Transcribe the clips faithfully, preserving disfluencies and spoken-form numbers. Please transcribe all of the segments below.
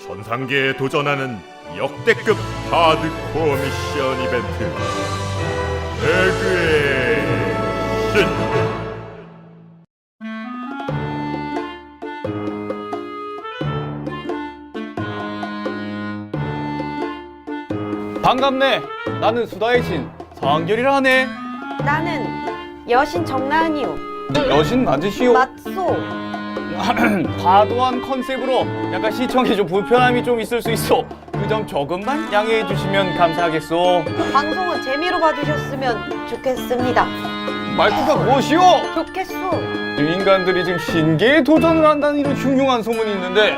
전상계에 도전하는 역대급 하드코어 미션 이벤트 배그의 신. 반갑네. 나는 수다의 신 성한결이라 하네. 나는 여신 정나은이요. 여신 맞으시오? 맞소. 과도한 컨셉으로 약간 시청에 좀 불편함이 좀 있을 수 있어. 그 점 조금만 양해해 주시면 감사하겠소. 방송은 재미로 봐주셨으면 좋겠습니다. 말투가 무엇이오? 좋겠소. 인간들이 지금 신기에 도전을 한다는 이런 흉흉한 소문이 있는데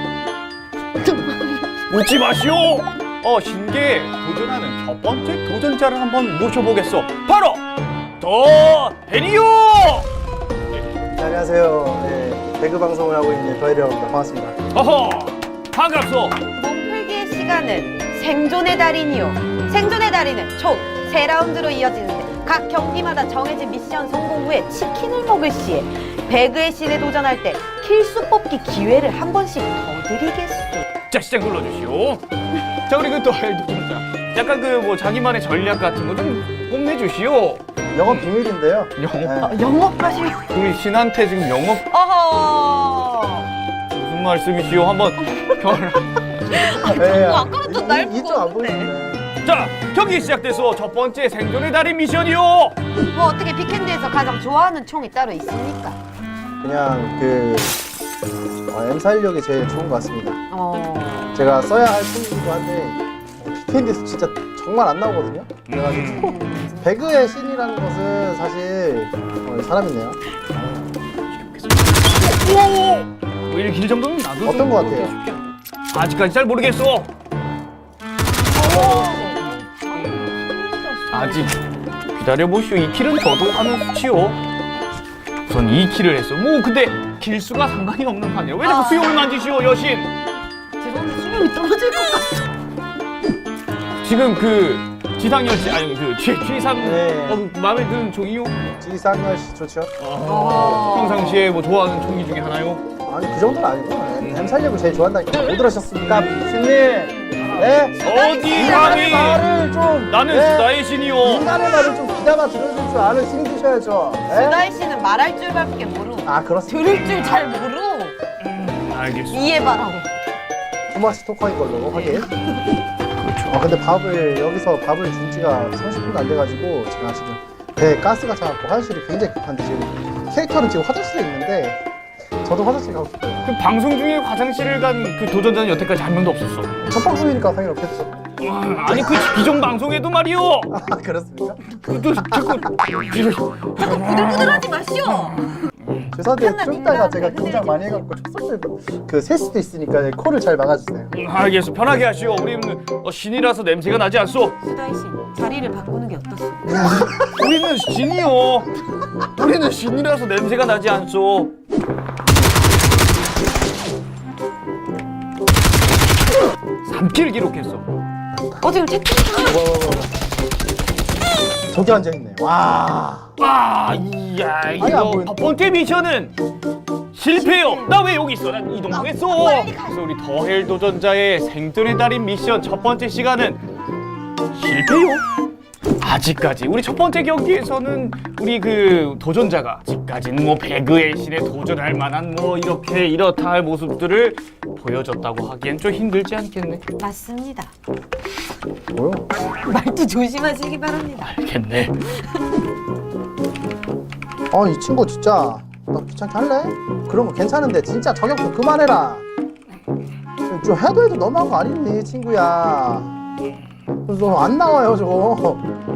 웃지 마시오. 어, 신기에 도전하는 첫 번째 도전자를 한번 모셔보겠소. 바로 더 해리오. 네, 안녕하세요. 네, 배그 방송을 하고 있는 더해리라고 합니다. 반갑습니다. 어허, 반갑소. 몸풀기의 시간은 생존의 달인이요. 생존의 달인은 총 세 라운드로 이어지는데 각 경기마다 정해진 미션 성공 후에 치킨을 먹을 시에 배그의 신에 도전할 때 킬수 뽑기 기회를 한 번씩 더 드리겠소. 자, 시작 눌러주시오. 자, 우리 그 더해 도전자. 약간 그 뭐 자기만의 전략 같은 거 좀 뽐내주시오. 영업 비밀인데요. 영업? 네. 영업하실. 우리 신한테 지금 영업 어허. 무슨 말씀이시오? 한번 경을. 네, 아까부터 날 이- 이쪽 보고 안 오는데. 보이는데. 자, 경기 시작돼서 첫 번째 생존의 달인 미션이요. 뭐 어떻게 빅핸드에서 가장 좋아하는 총이 따로 있습니까? 그냥 그 어, 엠 사십육이 제일 좋은 것 같습니다. 어. 제가 써야 할 총이기도 한데 빅핸드에서 진짜 정말 안 나오거든요. 그래가지고 배그의 신이라는 것은 사실 어, 사람이네요. 오! 오히려 길 정도는 나도 어떤 좀 것 같아요? 쉽게. 아직까지 잘 모르겠어. 아직 기다려보시오. 이 킬은 저도 하는 수치요. 우선 이 킬을 했어. 뭐 근데 킬수가 상관이 없는 판이야. 왜 자꾸 아. 수염을 만지시오, 여신? 죄송한데 수명이 떨어질 것 같아. 지금 그 지상열 씨, 아니 그 취, 취상 네. 어, 마음에 드는 종이요? 지상열 씨 좋죠? 아, 평상시에 뭐 좋아하는 종이 중에 하나요? 아니 그 정도는 아니고 엠 사십육을 제일 좋아한다니까. 못 들으셨습니까? 신님! 네? 어디 인간의 감히? 말을 좀 나는 네? 수다의 신이요. 인간의 말을 좀 귀담아 들어줄 줄 아는 신이셔야죠. 네? 수다이 씨는 말할 줄밖에 모르고 아 그렇습니다. 들을 줄 잘 모르고 알겠어. 이해 바라고. 토마스 토커인 걸로 확인. 아 근데 밥을 여기서 밥을 준 지가 삼십 분도 안 돼가지고 제가 지금 배에 가스가 차갖고 화장실이 굉장히 급한데 지금 캐릭터는 지금 화장실에 있는데 저도 화장실 가고 싶어요. 그 방송 중에 화장실을 간 그 도전자는 여태까지 한 명도 없었어. 첫 방송이니까 당연히 없겠죠. 와, 아니 그 기존 방송에도 말이요. 아 그렇습니까? 그또 자꾸 부들부들하지 마시오. 죄송한데 끝나, 좀 이따가 민망해. 제가 긴장 많이 해갖고 촉소를 그셀 수도 있으니까 코를 잘 막아주세요. 음, 알겠어. 편하게 하시오. 우리는 어, 신이라서 냄새가 나지 않소. 수다이 씨 자리를 바꾸는 게 어떻소? 우리는 신이요. 우리는 신이라서 냄새가 나지 않소. 삼 킬 기록했어. 어 지금 채팅창. 뭐, 뭐, 뭐. 저기 앉아있네. 와. 와, 이야, 안 이거 보이네. 첫 번째 미션은 실패요. 나 왜 여기 있어? 난 이동하겠어. 빨리 가. 그래서 우리 더헬 도전자의 생존의 달인 미션 첫 번째 시간은 실패요. 아직까지 우리 첫 번째 경기에서는 우리 그 도전자가 아직까지는 뭐 배그의 신에 도전할 만한 뭐 이렇게 이렇다 할 모습들을 보여줬다고 하기엔 좀 힘들지 않겠네. 맞습니다. 뭐요? 말투 조심하시기 바랍니다. 알겠네. 아 이 친구 진짜 나 귀찮게 할래? 그런 거 괜찮은데 진짜 저격 좀 그만해라. 좀 해도 해도 너무한 거 아니니 친구야. 그래서 안 나와요 저거.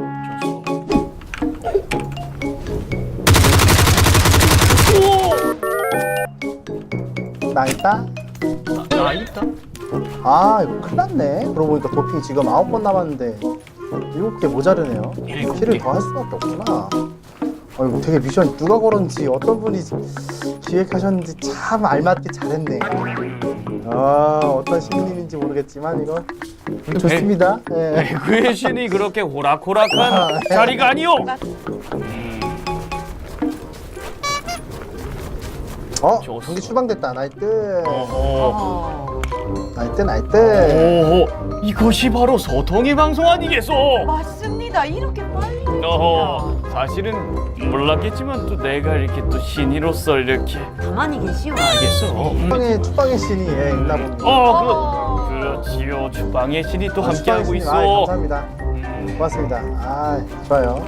나 있다? 나 있다. 아 이거 큰일 났네. 그러고 보니까 도핑 지금 아홉 번 남았는데 일곱 개 모자르네요. 일곱 키를 개. 더 할 수밖에 없구나. 아이고 되게 미션 누가 걸었는지 어떤 분이 기획하셨는지 참 알맞게 잘했네. 아 어떤 신님인지 모르겠지만 이거 좋습니다. 예. 배그의 신이 그렇게 호락호락한 자리가 아니오. 어? 좋았어. 경기 출방됐다. 나이트. 어허. 어. 나이트 나이트. 오호. 이것이 바로 소통의 방송 아니겠소? 맞습니다. 이렇게 빨리. 어허. 사실은 몰랐겠지만 또 내가 이렇게 또 신이로서 이렇게 가만히 계시오. 알겠어. 음. 축방의 축방의 신이 예, 있나 봅니다. 어, 그 그렇지요. 주방의 신이 또 함께하고 축방의 신이, 있어. 아, 감사합니다. 음. 고맙습니다. 아 좋아요.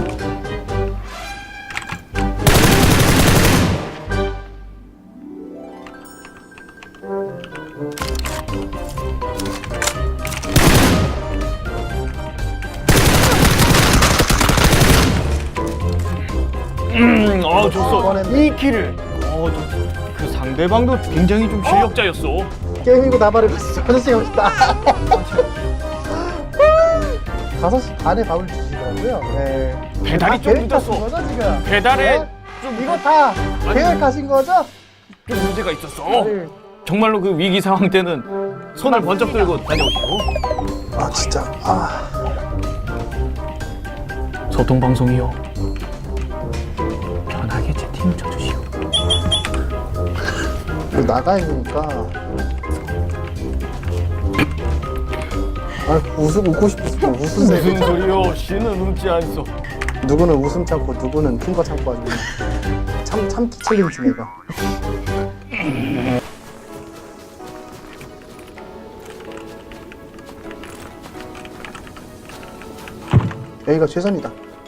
음, 어, 좋소. 이번엔- 이 킬을. 어, 좋소. 그 상대방도 굉장히 좀 실력자였어. 게임이고 나발을 봤어. 아저씨 멋있다. 다섯 시 반에 밥을 주시더라고요. 네. 배달이 다 좀 계획하신 늦었어. 거죠 지금? 배달에 네? 좀 이거 다 아니, 계획하신 거죠? 좀 문제가 있었어. 네. 정말로 그 위기 상황 때는 손을 번쩍 들고 다녀오시고. 아 진짜. 아. 소통 방송이요. 편하게 채팅 쳐주시오. 이거 나가 있으니까. 아 웃음 웃고 싶었어. 웃으세요. 무슨 소리요? 씨는 웃지 않소. 누구는 웃음 참고 누구는 큰 거 참고 아주 참 참기 챌린지 내가. 여기가 최선이다.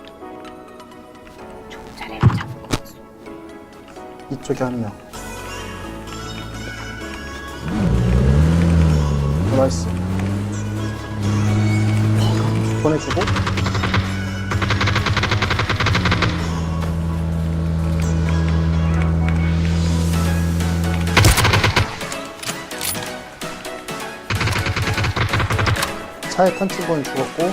이쪽에 한 명. 어, 나이스. 보내주고. 차에 탄 친구는 죽었고,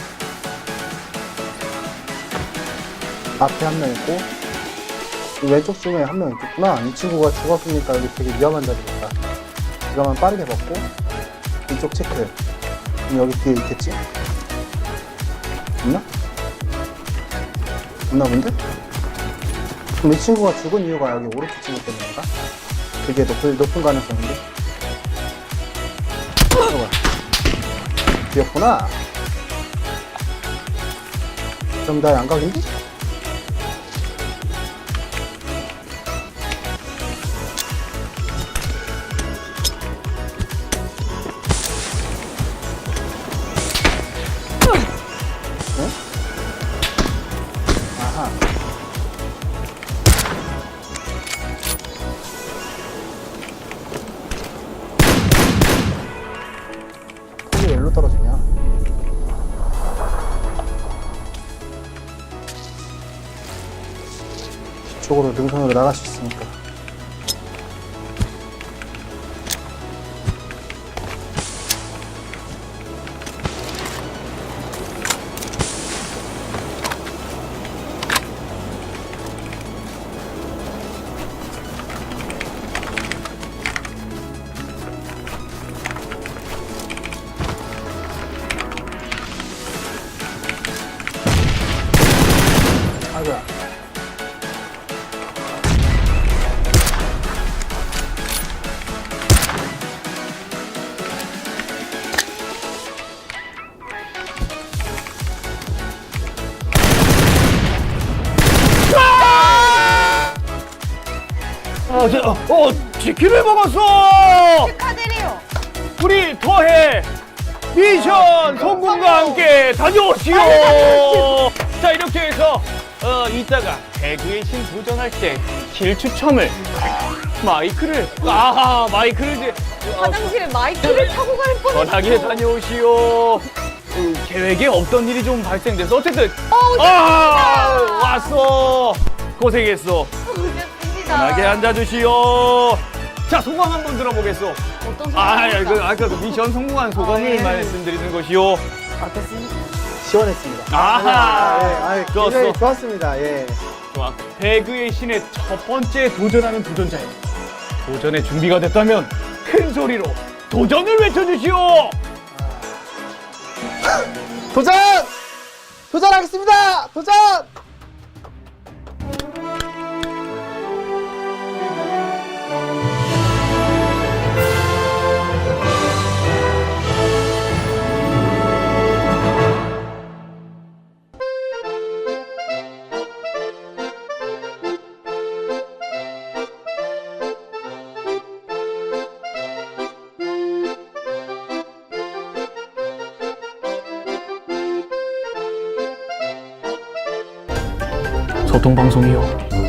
앞에 한 명 있고, 이 왼쪽 중에 한 명 있겠구나. 이 친구가 죽었으니까 여기 되게 위험한 자리겠다. 이거만 빠르게 먹고, 이쪽 체크. 그럼 여기 뒤에 있겠지? 있나? 없나 본데? 그럼 이 친구가 죽은 이유가 여기 오른쪽 친구 때문인가? 되게 높은, 높은 가능성인데? 잠깐만. 뒤였구나. 그럼 나 양각인데? 네? 아하. 폭이 왜 일로 떨어지냐? 뒤쪽으로 능선으로 나갈 수 있으니까. 아이고야. 어, 저, 어, 어, 치킨을 먹었어! 축하드려요. 우리 더해 미션 성공과 함께 다녀오시오! 자, 이렇게 해서, 어, 이따가 배그의 신 도전할 때 길 추첨을 마이크를, 아하, 마이크를 이제, 어, 화장실에 마이크를 타고 갈 뻔했어. 편하게 다녀오시오. 그, 계획에 없던 일이 좀 발생돼서 어쨌든, 어우, 아, 왔어. 고생했어. 좋습니다. 편하게 앉아주시오. 자, 소감 한번 들어보겠소. 어떤 아, 소감입니까? 그, 아까 그 미션 성공한 소감을 아, 예. 말씀드리는 것이요. 어떻습니까? 시원했습니다. 아하. 예, 아유, 좋았어. 굉장히 좋았습니다. 예. 좋아. 배그의 신의 첫 번째 도전하는 도전자요. 도전에 준비가 됐다면 큰 소리로 도전을 외쳐주시오. 도전! 도전하겠습니다! 도전! 소통 방송이요.